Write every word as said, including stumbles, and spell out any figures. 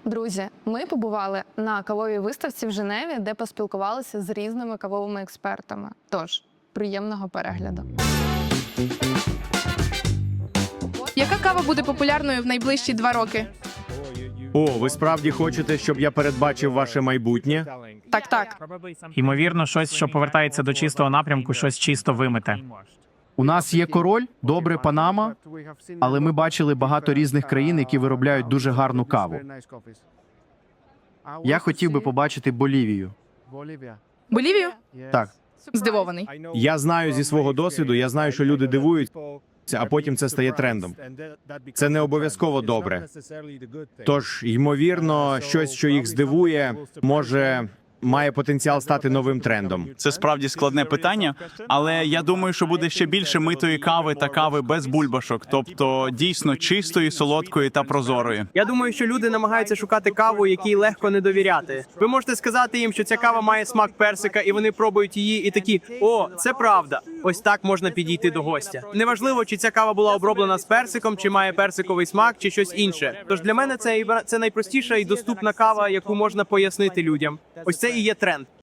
Друзі, ми побували на кавовій виставці в Женеві, де поспілкувалися з різними кавовими експертами. Тож, приємного перегляду. Яка кава буде популярною в найближчі два роки? О, ви справді хочете, щоб я передбачив ваше майбутнє? Так, так. Ймовірно, щось, що повертається до чистого напрямку, щось чисто вимите. У нас є король, добре Панама, але ми бачили багато різних країн, які виробляють дуже гарну каву. Я хотів би побачити Болівію. Болівію? Так. Здивований. Я знаю зі свого досвіду, я знаю, що люди дивуються, а потім це стає трендом. Це не обов'язково добре. Тож, ймовірно, щось, що їх здивує, може, має потенціал стати новим трендом. Це справді складне питання, але я думаю, що буде ще більше митої кави та кави без бульбашок, тобто дійсно чистої, солодкої та прозорої. Я думаю, що люди намагаються шукати каву, якій легко не довіряти. Ви можете сказати їм, що ця кава має смак персика, і вони пробують її і такі: «О, це правда». Ось так можна підійти до гостя. Неважливо, чи ця кава була оброблена з персиком, чи має персиковий смак, чи щось інше. Тож для мене це, це найпростіша і доступна кава, яку можна пояснити людям. Ось це і є тренд.